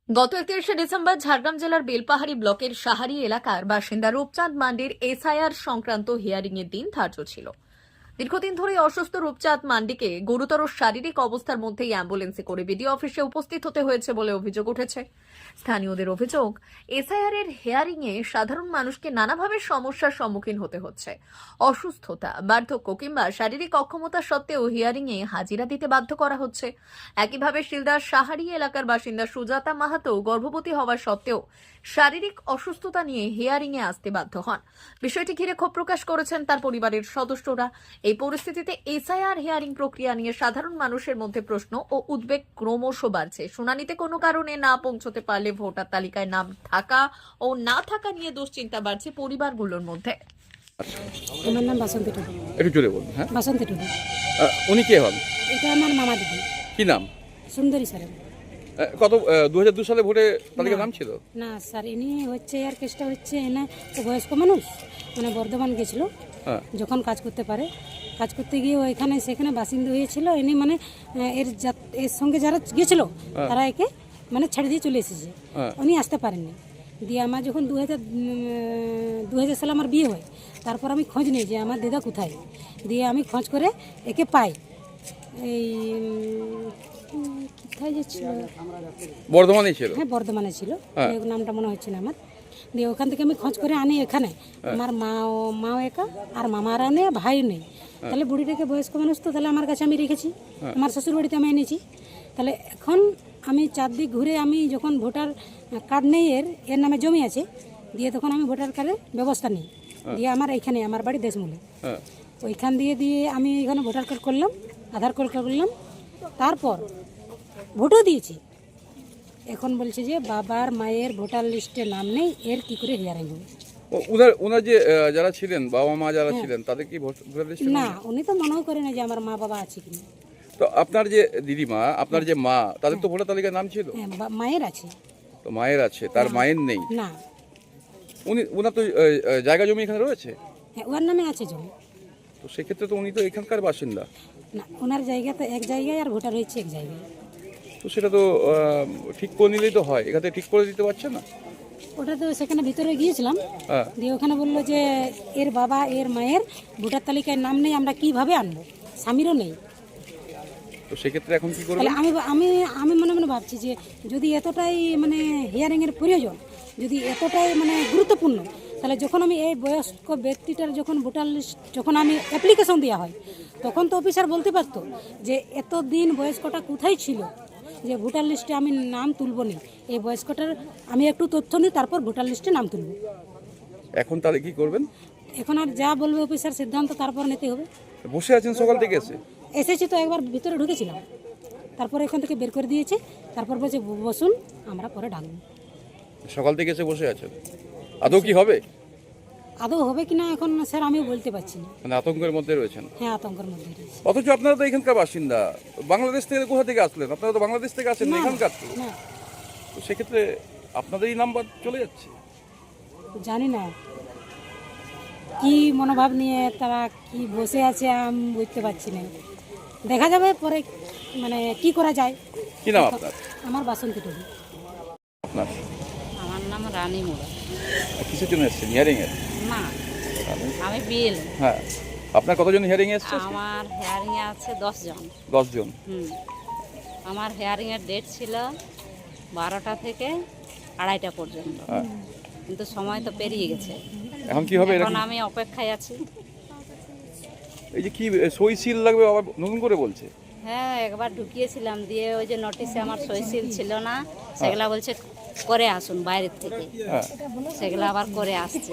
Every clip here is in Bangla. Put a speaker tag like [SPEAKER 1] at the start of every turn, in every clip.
[SPEAKER 1] গত 31শে ডিসেম্বর ঝাড়গ্রাম জেলার বেলপাহাড়ি ব্লকের সাহারি এলাকার বাসিন্দা রূপচাঁদ মান্ডির এসআইআর সংক্রান্ত হিয়ারিং এর দিন ধার্য ছিল। দীর্ঘদিন ধরে অসুস্থ রূপচাঁদ মান্ডিকে গুরুতর শারীরিক অবস্থার মধ্যেই অ্যাম্বুলেন্সে করে বিডিও অফিসে উপস্থিত হতে হয়েছে বলে অভিযোগ উঠেছে। স্থানীয়দের অভিযোগ, এসআইআর এর হিয়ারিং এ সাধারণ মানুষকে নানাভাবে সমস্যার সম্মুখীন হতে হচ্ছে। অসুস্থতা, বার্ধক্য কিংবা শারীরিক অক্ষমতা সত্ত্বেও হিয়ারিং এ হাজিরা দিতে বাধ্য করা হচ্ছে। একইভাবে শিলদার সাহারি এলাকার বাসিন্দা সুজাতা মাহাতো গর্ভবতী হওয়া সত্ত্বেও শারীরিক অসুস্থতা নিয়ে হিয়ারিং এ আসতে বাধ্য হন। বিষয়টি ঘিরে ক্ষোভ প্রকাশ করেছেন তার পরিবারের সদস্যরা। এই পরিস্থিতিতে এসআইআর হিয়ারিং প্রক্রিয়া নিয়ে সাধারণ মানুষের মধ্যে প্রশ্ন ও উদ্বেগ ক্রমশ বাড়ছে। শুনানিতে কোনো কারণে না পৌঁছতে পারলে ভোটার তালিকায় নাম থাকা ও না থাকা নিয়ে দুশ্চিন্তা বাড়ছে পরিবারগুলোর মধ্যে।
[SPEAKER 2] আমার নাম বাসন্তী টুডু।
[SPEAKER 3] একটু জোরে বলুন। হ্যাঁ,
[SPEAKER 2] বাসন্তী টুডু।
[SPEAKER 3] উনি কে হন?
[SPEAKER 2] এটা আমার মামা দিদি,
[SPEAKER 3] কি নাম?
[SPEAKER 2] সুন্দরী স্যার।
[SPEAKER 3] কত 2002 সালে ভোটে তালিকার নাম ছিল?
[SPEAKER 2] না স্যার, ইনি হচ্ছে আর কেসটা হচ্ছে এনে তো বয়স্ক মানুষ, মানে বর্ধমান গেছিল
[SPEAKER 3] হ্যাঁ,
[SPEAKER 2] যখন কাজ করতে পারে, কাজ করতে গিয়ে ওইখানে সেখানে বাসিন্দা হয়েছিল। ইনি মানে এর সঙ্গে যারা গেছিল তারা একে মানে ছেড়ে দিয়ে চলে এসেছে,
[SPEAKER 3] হ্যাঁ।
[SPEAKER 2] উনি আসতে পারেননি। দিয়ে আমার যখন 2000 সালে আমার বিয়ে হয়, তারপর আমি খোঁজ নিই যে আমার দিদা কোথায়। দিয়ে আমি খোঁজ করে একে পাই। এই কোথায় যে ছিল,
[SPEAKER 3] বর্ধমানে ছিল।
[SPEAKER 2] হ্যাঁ বর্ধমানে ছিল,
[SPEAKER 3] হ্যাঁ।
[SPEAKER 2] এই নামটা মনে হচ্ছে না আমার। দিয়ে ওখান থেকে আমি খোঁজ করে আনি এখানে। আমার মাও একা, আর মামারা নেই, ভাই নেই। তাহলে বুড়িটাকে বয়স্ক মানুষ তো, তাহলে আমার কাছে আমি রেখেছি, আমার শ্বশুর বাড়িতে আমি এনেছি। তাহলে এখন আমি চারদিক ঘুরে আমি যখন ভোটার কার্ড নেই, এর নামে জমি আছে, দিয়ে তখন আমি ভোটার কার্ডের ব্যবস্থা নিই। দিয়ে আমার এইখানে আমার বাড়ি দেশমূলে,
[SPEAKER 3] হ্যাঁ,
[SPEAKER 2] ওইখান দিয়ে আমি এখানে ভোটার কার্ড করলাম, আধার কার্ড করলাম, তারপর ভোটও দিয়েছি। এখন বলছে যে বাবার মায়ের ভোটার লিস্টে নাম নেই, এর কি করে হিয়ারিং হবে?
[SPEAKER 3] ওনার যে যারা ছিলেন, বাবা মা যারা ছিলেন, তাদের কি ভোটার লিস্টে নাম
[SPEAKER 2] না,
[SPEAKER 3] নেই?
[SPEAKER 2] উনি তো মনেও করে না যে আমার মা বাবা আছে কিনা।
[SPEAKER 3] তো আপনার যে দিদিমা, আপনার যে মা, তাদের তো ভোটার তালিকায় নাম ছিল।
[SPEAKER 2] হ্যাঁ, মায়ের আছে।
[SPEAKER 3] তো মায়ের আছে, তার মায়ের নেই।
[SPEAKER 2] না,
[SPEAKER 3] ওনার তো জায়গা জমি এখানে রয়েছে,
[SPEAKER 2] হ্যাঁ ওর নামে আছে জমি।
[SPEAKER 3] তো সেক্ষেত্রে তো উনি তো এখানকার বাসিন্দা।
[SPEAKER 2] না, ওনার জায়গা তো এক জায়গায় আর ভোটার হয়েছে এক জায়গায়।
[SPEAKER 3] তো সেটা তো ঠিক করে নিলেই তো হয়, এখানে ঠিক করে দিতে পারছে না।
[SPEAKER 2] ওটা তো সেখানে ভিতরে গিয়েছিলাম,
[SPEAKER 3] হ্যাঁ,
[SPEAKER 2] দিয়ে ওখানে বললো যে এর বাবা এর মায়ের ভোটার তালিকায় নাম নেই, আমরা কিভাবে আনবো, স্বামীরও নেই।
[SPEAKER 3] তো সেক্ষেত্রে এখন কি করবেন?
[SPEAKER 2] তাহলে আমি মনে মনে ভাবছি যে যদি এতটাই মানে হিয়ারিংয়ের প্রয়োজন, যদি এতটাই মানে গুরুত্বপূর্ণ, তাহলে যখন আমি এই বয়স্ক ব্যক্তিটার যখন ভোটার লিস্ট যখন আমি অ্যাপ্লিকেশন দেওয়া হয়, তখন তো অফিসার বলতে পারতো যে এতদিন বয়স্কটা কোথায় ছিল, যে ভোটার লিস্টে আমি নাম তুলব না, এই বয়স্কটার আমি একটু তথ্য নিই, তারপর ভোটার লিস্টে নাম তুলব।
[SPEAKER 3] এখন তাহলে কি করবেন?
[SPEAKER 2] এখন আর যা বলবে অফিসার সিদ্ধান্ত তারপর নিতে হবে।
[SPEAKER 3] বসে আছেন সকাল থেকে এসে?
[SPEAKER 2] এসেছি তো একবার ভিতরে ঢুকেছিলাম, তারপর এখান থেকে বের করে দিয়েছে, তারপর বলছে বসুন, আমরা পরে ডাকবো।
[SPEAKER 3] সকাল থেকে এসে বসে আছেন, আদৌ কি হবে?
[SPEAKER 2] আদৌ হবে কিনা এখন স্যার আমিও বলতে পারছি না।
[SPEAKER 3] মানে আতঙ্কের মধ্যে রয়েছেন।
[SPEAKER 2] হ্যাঁ, আতঙ্কের মধ্যে রয়েছে।
[SPEAKER 3] অথচ আপনারা তো এখানকার বাসিন্দা, বাংলাদেশ থেকে কোথা থেকে আসলেন? আপনারা তো বাংলাদেশ থেকে আসেন না,
[SPEAKER 2] না,
[SPEAKER 3] এখানকার তো।
[SPEAKER 2] না,
[SPEAKER 3] তো সেক্ষেত্রে আপনাদেরই নাম্বার চলে যাচ্ছে।
[SPEAKER 2] জানি না কি মনোভাব নিয়ে তারা কি বসে আছে, আমি বুঝতে পারছি না। দেখা যাবে পরে মানে কি করা যায়।
[SPEAKER 3] কি নাম আপনার?
[SPEAKER 2] আমার বাসন্তী টুডু।
[SPEAKER 3] আপনার
[SPEAKER 4] আমার নাম রানী মোড়া।
[SPEAKER 3] কিসের জন্য এসছেন? হিয়ারিং এর?
[SPEAKER 4] না, আমি বিএল।
[SPEAKER 3] হ্যাঁ, আপনার কতজন হিয়ারিং এসছে?
[SPEAKER 4] আমার হেয়ারিংয়ে আছে 10 জন।
[SPEAKER 3] 10 জন।
[SPEAKER 4] আমার হেয়ারিংয়ের ডেট ছিল 12টা থেকে 2:30টা পর্যন্ত,
[SPEAKER 3] হ্যাঁ,
[SPEAKER 4] কিন্তু সময় তো পেরিয়ে গেছে।
[SPEAKER 3] এখন কি হবে?
[SPEAKER 4] এখন আমি অপেক্ষায় আছি।
[SPEAKER 3] এই যে কি সই সিল লাগবে আবার নতুন করে বলছে।
[SPEAKER 4] হ্যাঁ, একবার ঢুকিয়েছিলাম, দিয়ে ওই যে নোটিশে আমার সই সিল ছিল না, সেগুলা বলছে করে আসুন বাইরের থেকে,
[SPEAKER 3] হ্যাঁ,
[SPEAKER 4] সেগুলো আবার করে আসছে।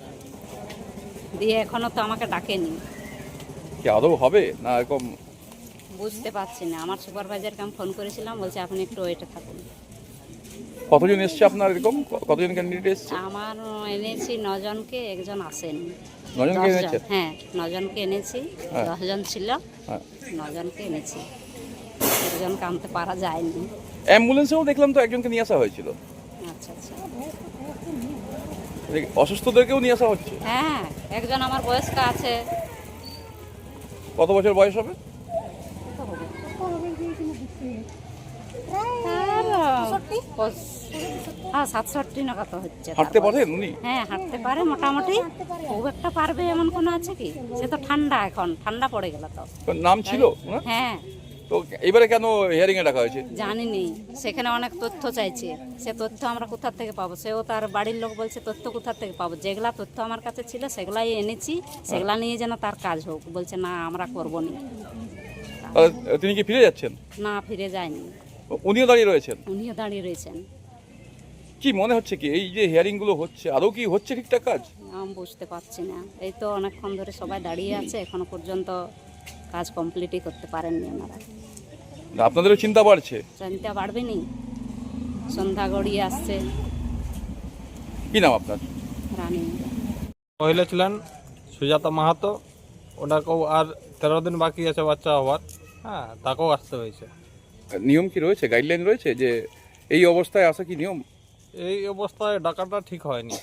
[SPEAKER 4] দিয়ে এখনো তো আমাকে ডাকেনি।
[SPEAKER 3] কি আদৌ হবে না এরকম?
[SPEAKER 4] বুঝতে পারছি না। আমার সুপারভাইজারকে আমি ফোন করেছিলাম, বলছে আপনি একটু ওয়েটে থাকুন।
[SPEAKER 3] কতজন এসছে আপনার এরকম? কতজন ক্যান্ডিডেট এসছে?
[SPEAKER 4] আমার এনেছি 9 জনকে, একজন আসেন।
[SPEAKER 3] 9 জনকে
[SPEAKER 4] 10
[SPEAKER 3] এনেছে?
[SPEAKER 4] জন, হ্যাঁ 9 জনকে এনেছি।
[SPEAKER 3] হ্যাঁ।
[SPEAKER 4] 10 জন ছিল,
[SPEAKER 3] হ্যাঁ,
[SPEAKER 4] 9 জনকে এনেছি, একজনকে আনতে পারা যায়নি।
[SPEAKER 3] অ্যাম্বুলেন্সেও দেখলাম তো একজনকে নিয়ে আসা হয়েছিল।
[SPEAKER 4] আচ্ছা আচ্ছা।
[SPEAKER 3] অসুস্থদেরকেও নিয়ে আসা হচ্ছে।
[SPEAKER 4] হ্যাঁ, একজন আমার বয়স্ক আছে।
[SPEAKER 3] কত বছর বয়স হবে?
[SPEAKER 4] হ্যাঁ 67 না কত হচ্ছে তার
[SPEAKER 3] হাঁটতে
[SPEAKER 4] বয়স।
[SPEAKER 3] পারেন উনি?
[SPEAKER 4] হ্যাঁ হাঁটতে পারে মোটামুটি, খুব একটা পারবে এমন কোনো আছে কি? সে তো ঠান্ডা, এখন ঠান্ডা পড়ে গেল তো।
[SPEAKER 3] ওর নাম ছিল ওনার?
[SPEAKER 4] হ্যাঁ
[SPEAKER 3] তো এবারে কেন হিয়ারিং এ ডাকা হয়েছে?
[SPEAKER 4] জানিনি, সেখানে অনেক তথ্য চাইছে, সে তথ্য আমরা কোথা থেকে পাবো? সেও তার বাড়ির লোক বলছে তথ্য কোথা থেকে পাবো? যেগুলা তথ্য আমার কাছে ছিল সেগুলাই এনেছি, সেগুলা নিয়ে যেন তার কাজ হোক। বলছে না আমরা করবো না।
[SPEAKER 3] তিনি কি ফিরে যাচ্ছেন?
[SPEAKER 4] না ফিরে যায়নি,
[SPEAKER 3] উনিও দাঁড়িয়ে রয়েছেন?
[SPEAKER 4] উনিও দাঁড়িয়ে রয়েছেন।
[SPEAKER 3] কি মনে হচ্ছে কি এই যে হিয়ারিং গুলো হচ্ছে আদৌ কি হচ্ছে ঠিকঠাক কাজ?
[SPEAKER 4] আমি বুঝতে পারছি না, এই তো অনেকক্ষণ ধরে সবাই দাঁড়িয়ে আছে, এখনো পর্যন্ত কাজ কমপ্লিটই করতে পারেননি ওনারা।
[SPEAKER 3] না, আপনাদেরও চিন্তা বাড়ছে?
[SPEAKER 4] চিন্তা বাড়বে নি, সন্ধ্যা গড়িয়ে আসছে।
[SPEAKER 3] কি নাম আপনার?
[SPEAKER 4] রানী
[SPEAKER 5] মহিলা ছিলেন সুজাতা মাহাতো, ওনাকেও আর 13 দিন বাকি আছে বাচ্চা হওয়ার। হ্যাঁ, তাকেও আসতে হয়েছে।
[SPEAKER 3] নিয়ম কি রয়েছে, গাইডলাইন রয়েছে যে এই অবস্থায় আসা কি নিয়ম?
[SPEAKER 5] এই অবস্থায় ডাকাটা ঠিক হয়নি।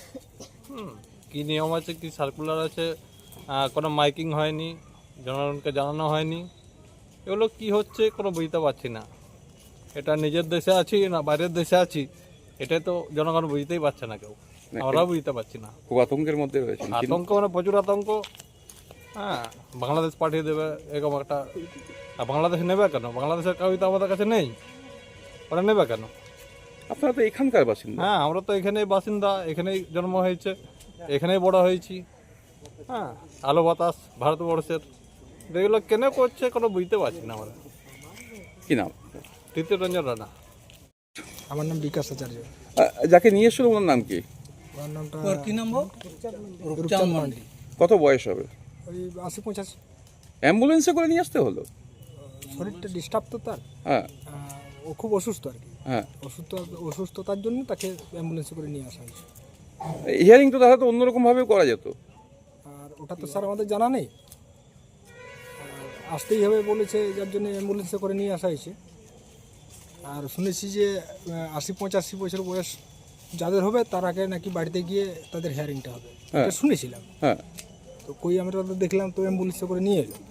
[SPEAKER 5] কি নিয়ম আছে, কি সার্কুলার আছে, কোনো মাইকিং হয়নি, জনগণকে জানানো হয়নি। এগুলো কি হচ্ছে কোনো বুঝতে পারছি না। এটা নিজের দেশে আছি না বাইরের দেশে আছি, এটাই তো জনগণ বুঝতেই পারছে না কেউ, আমরাও বুঝতে পারছি না।
[SPEAKER 3] খুব আতঙ্কের মধ্যে রয়েছে।
[SPEAKER 5] আতঙ্ক মানে প্রচুর আতঙ্ক। হ্যাঁ, বাংলাদেশ পাঠিয়ে দেবে এরকম একটা। আর বাংলাদেশ নেবে কেন? বাংলাদেশের কাউই তো আমাদের কাছে নেই, ওরা নেবে কেন?
[SPEAKER 3] আপনারা তো এখানকার বাসিন্দা।
[SPEAKER 5] হ্যাঁ, আমরা তো এখানেই বাসিন্দা, এখানেই জন্ম হয়েছে, এখানেই বড় হয়েছি। হ্যাঁ, আলো বাতাস ভারতবর্ষের, এগুলো কেন করছে কোনো বুঝতে পারছি না আমরা।
[SPEAKER 3] কি নাম?
[SPEAKER 5] তৃতীয় রঞ্জন রানা।
[SPEAKER 6] আমার নাম বিকাশ আচার্য।
[SPEAKER 3] যাকে নিয়ে এসেছিল ওনার নাম কি?
[SPEAKER 6] আমার নামটা রূপচাঁদ মান্ডি।
[SPEAKER 3] কত বয়স হবে?
[SPEAKER 6] ওই 80-85।
[SPEAKER 3] অ্যাম্বুলেন্সে করে নিয়ে আসতে হলো?
[SPEAKER 6] শরীরটা ডিস্টার্ব তো তার,
[SPEAKER 3] হ্যাঁ
[SPEAKER 6] ও খুব অসুস্থ আর কি।
[SPEAKER 3] হ্যাঁ।
[SPEAKER 6] অসুস্থতার জন্য তাকে অ্যাম্বুলেন্সে করে নিয়ে আসা হয়েছে।
[SPEAKER 3] হিয়ারিং তো তাহলে তো অন্যরকম ভাবে করা যেত।
[SPEAKER 6] আর ওটা তো স্যার আমাদের জানা নেই, আসতেই হবে বলেছে, যার জন্য অ্যাম্বুলেন্সে করে নিয়ে আসা হয়েছে। আর শুনেছি যে 80-85 বছর বয়স যাদের হবে তার আগে নাকি বাড়িতে গিয়ে তাদের হিয়ারিংটা হবে, এটা শুনেছিলাম।
[SPEAKER 3] হ্যাঁ,
[SPEAKER 6] তো কই আমরা তো দেখলাম তো অ্যাম্বুলেন্সে করে নিয়ে এলো,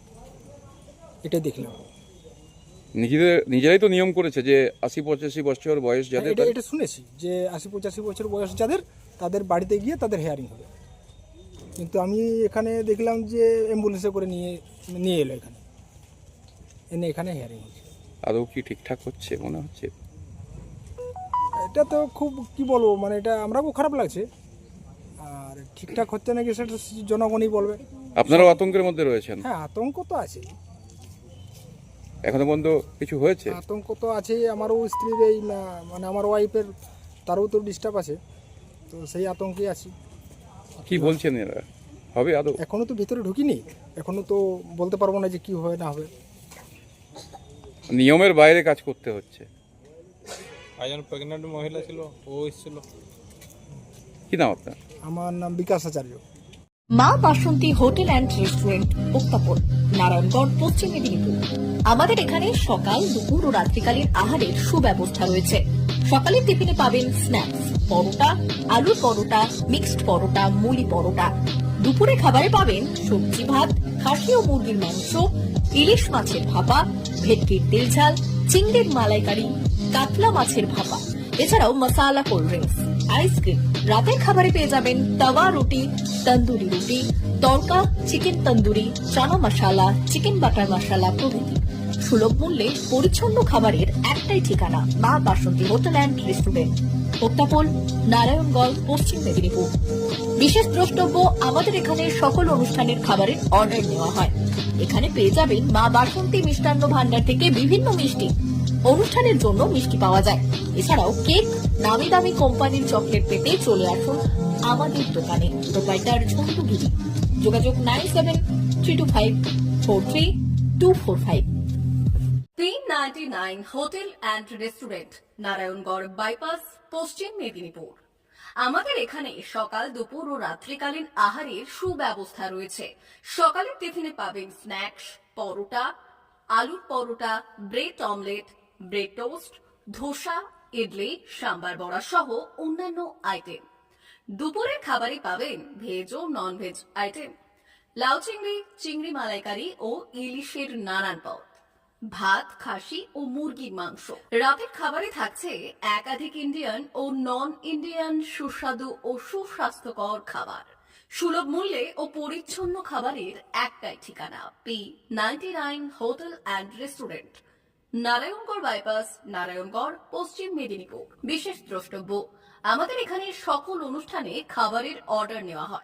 [SPEAKER 6] এটাই দেখলাম।
[SPEAKER 3] নিজেরাই তো নিয়ম করেছে যে 80-85 বছর বয়স যাদের
[SPEAKER 6] এটা শুনেছি যে 80-85 বছর বয়স যাদের, তাদের বাড়িতে গিয়ে তাদের হেয়ারিং হবে। কিন্তু আমি এখানে দেখলাম যে অ্যাম্বুলেন্সে করে নিয়ে এলো এখানে হেয়ারিং হচ্ছে।
[SPEAKER 3] আদৌ কি ঠিকঠাক হচ্ছে মনে হচ্ছে?
[SPEAKER 6] এটা তো খুব কি বলবো, মানে এটা আমরাও খারাপ লাগছে। আর ঠিকঠাক হচ্ছে নাকি সেটা জনগণই বলবে।
[SPEAKER 3] আপনারাও আতঙ্কের মধ্যে রয়েছেন?
[SPEAKER 6] হ্যাঁ, আতঙ্ক তো আছে,
[SPEAKER 3] এখনো পর্যন্ত কিছু হয়েছে?
[SPEAKER 6] আতঙ্ক তো আছে। আমারও স্ত্রীর এই মানে আমার ওয়াইফের, তারও তো ডিস্টার্ব আছে, তো সেই আতঙ্কে আছি।
[SPEAKER 3] কি বলছেন এরা, হবে আদৌ?
[SPEAKER 6] এখনো তো ভিতরে ঢুকিনি, এখনো তো বলতে পারবো না যে কি হবে না হবে।
[SPEAKER 3] নিয়মের বাইরে কাজ করতে হচ্ছে।
[SPEAKER 5] একজন প্রেগনেন্ট মহিলা ছিল, ও এসেছিল।
[SPEAKER 3] কি নাম আপনার?
[SPEAKER 6] আমার নাম Bikash Acharya.
[SPEAKER 1] Maa Basanti hotel and restaurant, Uttapan, Narayangarh, Paschim Medinipur. আমাদের এখানে সকাল, দুপুর ও রাত্রিকালীন আহারের সুব্যবস্থা রয়েছে। সকালের টিফিনে পাবেন স্ন্যাক্স, পরোটা, আলুর পরোটা, মিক্সড পরোটা, মুলি পরোটা। দুপুরে খাবারে পাবেন সবজি ভাত, খাসি ও মুরগির মাংস, ইলিশ মাছের ভাপা, ভেটকির তেল ঝাল, চিংড়ির মালাইকারি, কাতলা মাছের ভাপা, এছাড়াও মশালা কোল্ড ড্রিঙ্কস, আইসক্রিম। রাতের খাবারে পেয়ে যাবেন তাওয়া roti, tandoori roti, tadka, chicken tandoori, chana masala, chicken butter masala প্রভৃতি। সুলভ মূল্যে পরিচ্ছন্ন খাবারের একটাই ঠিকানা, Maa Basanti hotel and restaurant, Uttapan, Narayangarh, Paschim Medinipur. বিশেষ দ্রষ্টব্য, আমাদের এখানে সকল অনুষ্ঠানের খাবারের অর্ডার নেওয়া হয়। এখানে পেয়ে যাবেন মা বাসন্তী মিষ্টান্ন ভান্ডার থেকে বিভিন্ন মিষ্টি। অনুষ্ঠানের জন্য মিষ্টি পাওয়া যায়। এছাড়াও কেক, নামি দামি কোম্পানির চকলেট পেতে চলে আসুন আমাদের দোকানে। প্রোপাইটার ঝন্টু গিরি। যোগাযোগ 9772543245। 399 hotel and restaurant, Narayangarh bypass, Paschim Medinipur. আমাদের এখানে সকাল, দুপুর ও রাত্রিকালীন আহারের সুব্যবস্থা রয়েছে। সকালের টিফিনে পাবেন স্ন্যাক্স, পরোটা, আলুর paratha, bread omelette, bread toast, dosa, idli, sambar vada সহ অন্যান্য আইটেম। দুপুরের খাবারে পাবেন ভেজ ও নন ভেজ আইটেম, লাউ চিংড়ি, চিংড়ি মালাইকারি ও ইলিশের নানান পদ। ভাত, খাসি ও মুরগির মাংস। রাতের খাবারে থাকছে একাধিক ইন্ডিয়ান ও নন ইন্ডিয়ান সুস্বাদু ও সুস্বাস্থ্যকর খাবার। সুলভ মূল্যে ও পরিচ্ছন্ন খাবারের একটাই ঠিকানা, P99 hotel and restaurant, Narayangarh bypass, Narayangarh, Paschim Medinipur. বিশেষ দ্রষ্টব্য, আমাদের এখানে সকল অনুষ্ঠানে খাবারের অর্ডার নেওয়া হয়।